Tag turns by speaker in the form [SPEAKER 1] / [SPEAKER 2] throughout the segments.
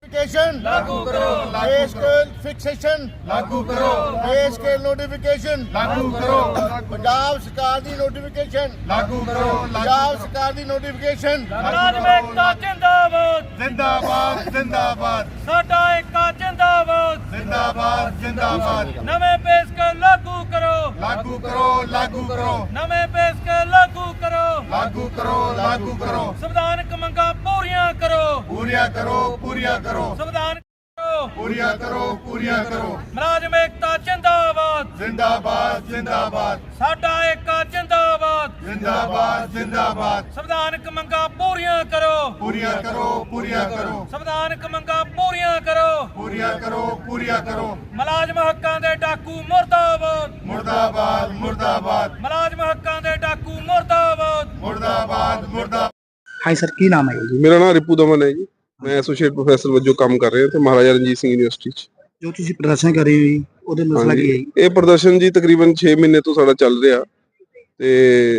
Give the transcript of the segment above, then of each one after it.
[SPEAKER 1] Notification
[SPEAKER 2] लागू करो,
[SPEAKER 1] पे स्केल फिक्सेशन
[SPEAKER 2] लागू करो,
[SPEAKER 1] पे स्केल नोटिफिकेशन
[SPEAKER 2] लागू करो,
[SPEAKER 1] पंजाब सरकार दी नोटिफिकेशन
[SPEAKER 2] लागू करो,
[SPEAKER 1] पंजाब सरकार दी नोटिफिकेशन
[SPEAKER 3] मुलाजम एकता जिंदाबाद
[SPEAKER 2] जिंदाबाद जिंदाबाद
[SPEAKER 3] साडा एकता जिंदाबाद
[SPEAKER 2] जिंदाबाद जिंदाबाद
[SPEAKER 3] नवे पे स्केल लागू करो
[SPEAKER 2] लागू करो, लागू करो,
[SPEAKER 3] नवे पे स्केल लागू करो
[SPEAKER 2] लागू करो, लागू करो,
[SPEAKER 3] संविधानक मंगां पूरियां करो
[SPEAKER 2] पूरिया करो, पूरिया करो,
[SPEAKER 3] संविधान करो
[SPEAKER 2] पूरिया करो, पूरिया करो,
[SPEAKER 3] मुलाजम एकता जिंदाबाद
[SPEAKER 2] जिंदाबाद जिंदाबाद
[SPEAKER 3] साडा एकता जिंदाबाद
[SPEAKER 2] जिंदाबाद जिंदाबाद
[SPEAKER 3] संविधानक मंगां पूरियां करो
[SPEAKER 2] पूरिया करो, पूरिया करो,
[SPEAKER 3] संविधानक मंगां पूरियां करो
[SPEAKER 2] पूरिया करो, पूरिया करो,
[SPEAKER 3] मुलाजम हक्कां दे डाकू मुर्दाबाद
[SPEAKER 2] मुर्दाबाद मुर्दाबाद
[SPEAKER 3] मुलाजम हक्कां दे डाकू मुर्दाबाद
[SPEAKER 2] मुर्दाबाद मुर्दाबाद।
[SPEAKER 4] हाय सर की नाम है जी
[SPEAKER 5] ਮੇਰਾ ਨਾਮ ਰਿਪੂ ਦਮਨ ਹੈ ਜੀ। ਮੈਂ ਐਸੋਸੀਏਟ ਪ੍ਰੋਫੈਸਰ ਵਜੋਂ ਕੰਮ ਕਰ ਰਿਹਾ ਤੇ ਮਹਾਰਾਜਾ ਰਣਜੀਤ ਸਿੰਘ ਯੂਨੀਵਰਸਿਟੀ 'ਚ।
[SPEAKER 4] ਜੋ ਤੁਸੀਂ ਪ੍ਰਦਰਸ਼ਨ ਕਰ ਰਹੇ ਹੋ ਜੀ ਉਹਦੇ ਮਸਲਾ ਕੀ ਹੈ ਜੀ?
[SPEAKER 5] ਇਹ ਪ੍ਰਦਰਸ਼ਨ ਜੀ ਤਕਰੀਬਨ 6 ਮਹੀਨੇ ਤੋਂ ਸਾਡਾ ਚੱਲ ਰਿਹਾ ਤੇ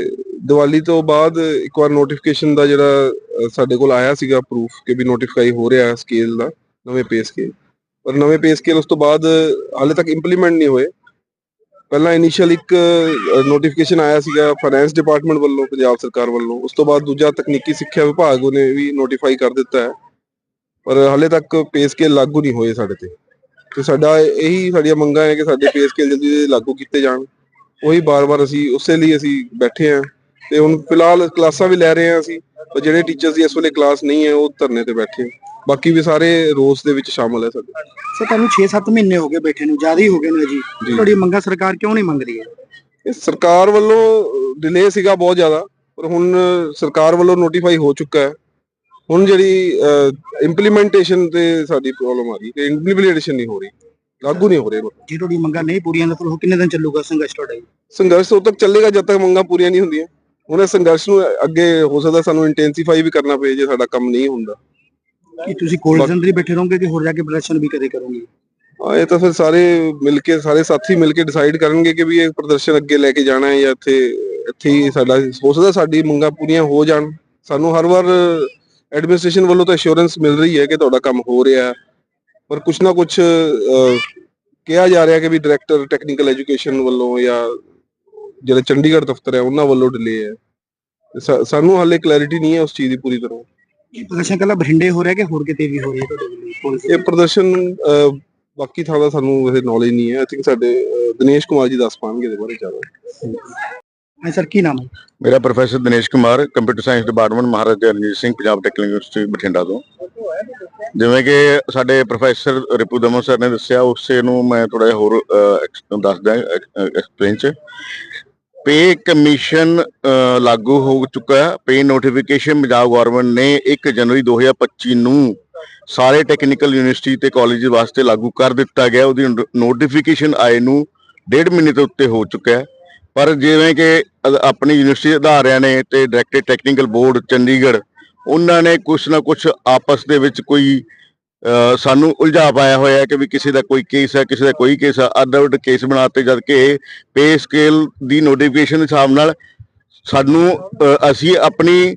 [SPEAKER 5] ਦੀਵਾਲੀ ਤੋਂ ਬਾਅਦ ਇੱਕ ਵਾਰ ਨੋਟੀਫਿਕੇਸ਼ਨ ਦਾ ਜਿਹੜਾ ਸਾਡੇ ਕੋਲ ਆਇਆ ਸੀਗਾ ਪ੍ਰੂਫ ਕਿ ਵੀ ਨੋਟੀਫਾਈ ਹੋ ਰਿਹਾ ਸਕੇਲ ਦਾ ਨਵੇਂ ਪੇ ਸਕੇਲ, ਪਰ ਨਵੇਂ ਪੇ ਸਕੇਲ ਉਸ ਤੋਂ ਬਾਅਦ ਹਾਲੇ ਤੱਕ ਇੰਪਲੀਮੈਂਟ ਨਹੀਂ ਹੋਏ। ਪਹਿਲਾਂ ਇਨੀਸ਼ੀਅਲ ਇੱਕ ਨੋਟੀਫਿਕੇਸ਼ਨ ਆਇਆ ਸੀਗਾ ਫਾਈਨੈਂਸ ਡਿਪਾਰਟਮੈਂਟ ਵੱਲੋਂ ਪੰਜਾਬ ਸਰਕਾਰ ਵੱਲੋਂ, ਉਸ ਤੋਂ ਬਾਅਦ ਦੂਜਾ ਤਕਨੀਕੀ ਸਿੱਖਿਆ ਵਿਭਾਗ ਉਹਨੇ ਵੀ ਨੋਟੀਫਾਈ ਕਰ ਦਿੱਤਾ ਹੈ, ਪਰ ਹਾਲੇ ਤੱਕ ਪੇ ਸਕੇਲ ਲਾਗੂ ਨਹੀਂ ਹੋਏ ਸਾਡੇ ਤੇ ਸਾਡਾ ਇਹੀ ਸਾਡੀਆਂ ਮੰਗਾਂ ਹੈ ਕਿ ਸਾਡੇ ਪੇ ਸਕੇਲ ਜਲਦੀ ਲਾਗੂ ਕੀਤੇ ਜਾਣ। ਉਹੀ ਬਾਰ-ਬਾਰ ਅਸੀਂ ਉਸੇ ਲਈ ਅਸੀਂ ਬੈਠੇ ਹਾਂ ਤੇ ਹੁਣ ਫਿਲਹਾਲ ਕਲਾਸਾਂ ਵੀ ਲੈ ਰਹੇ ਹਾਂ ਅਸੀਂ, ਪਰ ਜਿਹੜੇ ਟੀਚਰਸ ਦੀ ਇਸ ਵੇਲੇ ਕਲਾਸ ਨਹੀਂ ਹੈ ਉਹ ਧਰਨੇ ਤੇ ਬੈਠੇ ਆ। ਬਾਕੀ ਵੀ ਸਾਰੇ ਰੋਸ ਦੇ ਵਿੱਚ ਸ਼ਾਮਲ ਹੈ ਸਾਡੇ।
[SPEAKER 4] ਸਰ ਤੁਹਾਨੂੰ 6-7 ਮਹੀਨੇ ਹੋ ਗਏ ਬੈਠੇ ਨੂੰ, ਜ਼ਿਆਦਾ ਹੀ ਹੋ ਗਏ ਨੇ ਜੀ। ਤੁਹਾਡੀ ਮੰਗਾਂ ਸਰਕਾਰ ਕਿਉਂ ਨਹੀਂ ਮੰਗ ਰਹੀ ਹੈ?
[SPEAKER 5] ਇਹ ਸਰਕਾਰ ਵੱਲੋਂ ਡਿਲੇ ਸੀਗਾ ਬਹੁਤ ਜ਼ਿਆਦਾ, ਪਰ ਹੁਣ ਸਰਕਾਰ ਵੱਲੋਂ ਨੋਟੀਫਾਈ ਹੋ ਚੁੱਕਾ ਹੈ। ਹੁਣ ਜਿਹੜੀ ਇੰਪਲੀਮੈਂਟੇਸ਼ਨ ਤੇ ਸਾਡੀ ਪ੍ਰੋਬਲਮ ਆ ਰਹੀ ਕਿ ਇੰਪਲੀਮੈਂਟੇਸ਼ਨ ਨਹੀਂ ਹੋ ਰਹੀ, ਲਾਗੂ ਨਹੀਂ ਹੋ ਰਹੇ।
[SPEAKER 4] ਜੇ ਤੁਹਾਡੀ ਮੰਗਾਂ ਨਹੀਂ ਪੂਰੀਆਂ ਤਾਂ ਫਿਰ ਉਹ ਕਿੰਨੇ ਦਿਨ ਚੱਲੂਗਾ ਸੰਘਰਸ਼ ਤੁਹਾਡਾ ਜੀ?
[SPEAKER 5] ਸੰਘਰਸ਼ ਉਦੋਂ ਤੱਕ ਚੱਲੇਗਾ ਜਦ ਤੱਕ ਮੰਗਾਂ ਪੂਰੀਆਂ ਨਹੀਂ ਹੁੰਦੀਆਂ। ਹੁਣ ਇਸ ਸੰਘਰਸ਼ ਨੂੰ ਅੱਗੇ ਹੋ ਸਕਦਾ ਸਾਨੂੰ ਇੰਟੈਂਸੀਫਾਈ ਵੀ ਕਰਨਾ ਪਏ ਜੇ ਸਾਡਾ ਕੰਮ ਨਹੀਂ ਹੁੰਦਾ।
[SPEAKER 4] ਕੀ ਤੁਸੀਂ ਕੋਲਡ ਅੰਦਰ ਹੀ ਬੈਠੇ ਰਹੋਗੇ ਕਿ ਹੋਰ ਜਾ ਕੇ ਪ੍ਰਦਰਸ਼ਨ ਵੀ ਕਦੇ ਕਰੋਗੇ?
[SPEAKER 5] ਇਹ ਤਾਂ ਫਿਰ ਸਾਰੇ ਮਿਲ ਕੇ ਸਾਰੇ ਸਾਥੀ ਮਿਲ ਕੇ ਡਿਸਾਈਡ ਕਰਨਗੇ ਕਿ ਵੀ ਇਹ ਪ੍ਰਦਰਸ਼ਨ ਅੱਗੇ ਲੈ ਕੇ ਜਾਣਾ ਹੈ ਜਾਂ ਇੱਥੇ ਹੀ ਸਾਡਾ ਹੋ ਸਕਦਾ ਸਾਡੀ ਮੰਗਾਂ ਪੂਰੀਆਂ ਹੋ ਜਾਣ। ਸਾਨੂੰ ਹਰ ਵਾਰ ਐਡਮਿਨਿਸਟ੍ਰੇਸ਼ਨ ਵੱਲੋਂ ਤਾਂ ਅਸ਼ੋਰੈਂਸ ਮਿਲ ਰਹੀ ਹੈ ਕਿ ਤੁਹਾਡਾ ਕੰਮ ਹੋ ਰਿਹਾ, ਪਰ ਕੁਛ ਨਾ ਕੁਛ ਕਿਹਾ ਜਾ ਰਿਹਾ ਕਿ ਵੀ ਡਾਇਰੈਕਟਰ ਟੈਕਨੀਕਲ ਐਜੂਕੇਸ਼ਨ ਵੱਲੋਂ ਜਾਂ ਜਿਹੜੇ ਚੰਡੀਗੜ੍ਹ ਦਫ਼ਤਰ ਹੈ ਉਹਨਾਂ ਵੱਲੋਂ ਡਿਲੇ ਹੈ। ਸਾਨੂੰ ਹਾਲੇ ਕਲੈਰਿਟੀ ਨਹੀਂ ਹੈ ਉਸ ਚੀਜ਼ ਦੀ ਪੂਰੀ ਤਰ੍ਹਾਂ।
[SPEAKER 4] ਇਹ ਪ੍ਰਦਰਸ਼ਨ ਕੱਲਾ ਬਠਿੰਡੇ ਹੋ ਰਿਹਾ ਕਿ ਹੋਰ ਕਿਤੇ ਵੀ ਹੋ ਰਿਹਾ ਤੁਹਾਡੇ ਵੱਲੋਂ?
[SPEAKER 5] ਇਹ ਪ੍ਰਦਰਸ਼ਨ ਬਾਕੀ ਥਾਂ ਦਾ ਸਾਨੂੰ ਵੈਸੇ ਨੌਲੇਜ ਨਹੀਂ ਹੈ। ਆਈ ਥਿੰਕ ਸਾਡੇ ਦਿਨੇਸ਼ ਕੁਮਾਰ ਜੀ ਦੱਸ ਪਾਉਣਗੇ ਇਹਦੇ ਬਾਰੇ ਜ਼ਿਆਦਾ।
[SPEAKER 4] ਹਾਂ ਸਰ ਕੀ ਨਾਮ ਹੈ?
[SPEAKER 6] ਮੇਰਾ professor Dinesh Kumar, computer science department, Maharaja Ranjit Singh Punjab technical university Bathinda ਤੋਂ। ਜਿਵੇਂ ਕਿ ਸਾਡੇ ਪ੍ਰੋਫੈਸਰ ਰਿਪੂ ਦਮਨ ਸਰ ਨੇ ਦੱਸਿਆ, ਉਸੇ ਨੂੰ ਮੈਂ ਥੋੜਾ ਜਿਹਾ ਹੋਰ ਦੱਸਦਾ ਐਕਸਪਲੇਨ ਚ। ਪੇ ਕਮਿਸ਼ਨ ਲਾਗੂ ਹੋ ਚੁੱਕਾ ਹੈ। ਪੇ ਨੋਟੀਫਿਕੇਸ਼ਨ ਪੰਜਾਬ ਗਵਰਨਮੈਂਟ ਨੇ 1 ਜਨਵਰੀ 2025 ਨੂੰ ਸਾਰੇ ਟੈਕਨੀਕਲ ਯੂਨੀਵਰਸਿਟੀ ਤੇ ਕਾਲਜ ਵਾਸਤੇ ਲਾਗੂ ਕਰ ਦਿੱਤਾ ਗਿਆ। ਉਹਦੀ ਨੋਟੀਫਿਕੇਸ਼ਨ ਆਏ ਨੂੰ 1.5 ਮਹੀਨੇ ਤੋਂ ਉੱਤੇ ਹੋ ਚੁੱਕਾ ਹੈ, ਪਰ ਜਿਵੇਂ ਕਿ ਆਪਣੀ ਯੂਨੀਵਰਸਿਟੀ ਅਧਾਰਿਆਂ ਨੇ ਤੇ ਡਾਇਰੈਕਟਰ ਟੈਕਨੀਕਲ ਬੋਰਡ ਚੰਡੀਗੜ੍ਹ ਉਹਨਾਂ ਨੇ ਕੁਛ ਨਾ ਕੁਛ ਆਪਸ ਦੇ ਵਿੱਚ ਕੋਈ ਸਾਨੂੰ ਉਲਝਾ ਪਾਇਆ ਹੋਇਆ ਕਿ ਵੀ ਕਿਸੇ ਦਾ ਕੋਈ ਕੇਸ ਹੈ, ਕਿਸੇ ਦਾ ਕੋਈ ਕੇਸ ਆ, ਅੱਡ ਕੇਸ ਬਣਾਤੇ, ਜਦ ਕਿ ਪੇ ਸਕੇਲ ਦੀ ਨੋਟੀਫਿਕੇਸ਼ਨ ਦੇ ਹਿਸਾਬ ਨਾਲ ਸਾਨੂੰ ਅਸੀਂ ਆਪਣੀ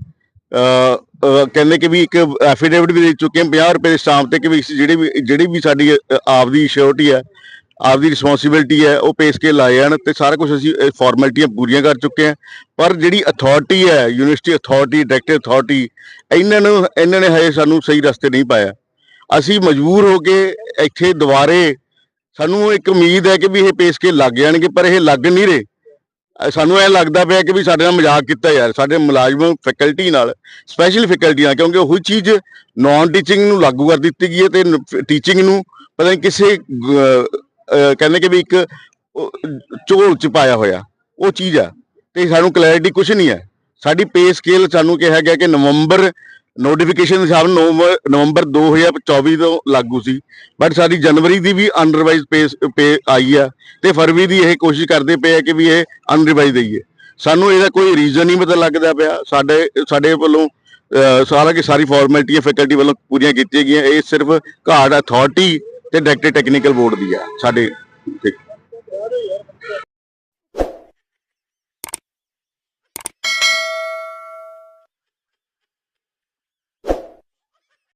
[SPEAKER 6] ਕਹਿੰਦੇ ਕਿ ਵੀ ਇੱਕ ਐਫੀਡੇਵਿਟ ਵੀ ਦੇ ਚੁੱਕੇ ਹਾਂ 50 ਰੁਪਏ ਦੇ ਸਟਾਂਪ ਤੇ ਕਿ ਵੀ ਜਿਹੜੀ ਵੀ ਸਾਡੀ ਆਪਦੀ ਸਿਕਿਉਰਿਟੀ ਹੈ, ਆਪਦੀ ਰਿਸਪੌਂਸਿਬਿਲਿਟੀ ਹੈ, ਉਹ ਪੇ ਸਕੇਲ ਲਾਏ ਜਾਣ ਤੇ ਸਾਰਾ ਕੁਝ ਅਸੀਂ ਫਾਰਮੈਲਿਟੀਆਂ ਪੂਰੀਆਂ ਕਰ ਚੁੱਕੇ ਹਾਂ। ਪਰ ਜਿਹੜੀ ਅਥਾਰਟੀ ਹੈ, ਯੂਨੀਵਰਸਿਟੀ ਅਥਾਰਟੀ, ਡਾਇਰੈਕਟਰ ਅਥਾਰਟੀ, ਇਹਨਾਂ ਨੇ ਹਜੇ ਸਾਨੂੰ ਸਹੀ ਰਸਤੇ ਨਹੀਂ ਪਾਇਆ। ਅਸੀਂ ਮਜਬੂਰ ਹੋ ਕੇ ਇੱਥੇ ਦੁਬਾਰੇ ਸਾਨੂੰ ਇੱਕ ਉਮੀਦ ਹੈ ਕਿ ਵੀ ਇਹ ਪੇ ਸਕੇਲ ਲੱਗ ਜਾਣਗੇ, ਪਰ ਇਹ ਲੱਗ ਨਹੀਂ ਰਹੇ। ਸਾਨੂੰ ਇਹ ਲੱਗਦਾ ਪਿਆ ਕਿ ਵੀ ਸਾਡੇ ਨਾਲ ਮਜ਼ਾਕ ਕੀਤਾ ਯਾਰ, ਸਾਡੇ ਮੁਲਾਜ਼ਮ ਫੈਕਲਟੀ ਨਾਲ, ਸਪੈਸ਼ਲ ਫੈਕਲਟੀ ਨਾਲ, ਕਿਉਂਕਿ ਉਹੀ ਚੀਜ਼ ਨਾਨ ਟੀਚਿੰਗ ਨੂੰ ਲਾਗੂ ਕਰ ਦਿੱਤੀ ਗਈ ਹੈ ਤੇ ਟੀਚਿੰਗ ਨੂੰ ਪਤਾ ਨਹੀਂ ਕਿਸੇ ਕਹਿੰਦੇ ਕਿ ਵੀ ਇੱਕ ਝੋਲ ਚ ਪਾਇਆ ਹੋਇਆ ਉਹ ਚੀਜ਼ ਆ, ਤੇ ਸਾਨੂੰ ਕਲੈਰਿਟੀ ਕੁਛ ਨਹੀਂ ਹੈ। ਸਾਡੀ ਪੇ ਸਕੇਲ ਸਾਨੂੰ ਕਿਹਾ ਗਿਆ ਕਿ ਨਵੰਬਰ ਨੋਟੀਫਿਕੇਸ਼ਨ ਦੇ ਹਿਸਾਬ ਨਾਲ ਨਵੰਬਰ 2024 ਤੋਂ ਲਾਗੂ ਸੀ, ਬਟ ਸਾਡੀ ਜਨਵਰੀ ਦੀ ਵੀ ਅਨਰਿਵਾਈਜ਼ ਪੇ ਆਈ ਆ ਤੇ ਫਰਵਰੀ ਦੀ ਇਹ ਕੋਸ਼ਿਸ਼ ਕਰਦੇ ਪਏ ਆ ਕਿ ਵੀ ਇਹ ਅਨਰਿਵਾਈਜ਼ ਦਈਏ। ਸਾਨੂੰ ਇਹਦਾ ਕੋਈ ਰੀਜ਼ਨ ਨਹੀਂ ਪਤਾ ਲੱਗਦਾ ਪਿਆ। ਸਾਡੇ ਵੱਲੋਂ ਸਾਰੀ ਫਾਰਮੈਲਿਟੀਆਂ ਫੈਕਲਟੀ ਵੱਲੋਂ ਪੂਰੀਆਂ ਕੀਤੀਆਂ ਗਈਆਂ। ਇਹ ਸਿਰਫ ਘਾਟ ਅਥਾਰਟੀ ਤੇ ਡਾਇਰੈਕਟਰ ਟੈਕਨੀਕਲ ਬੋਰਡ ਦੀ ਆ ਸਾਡੇ।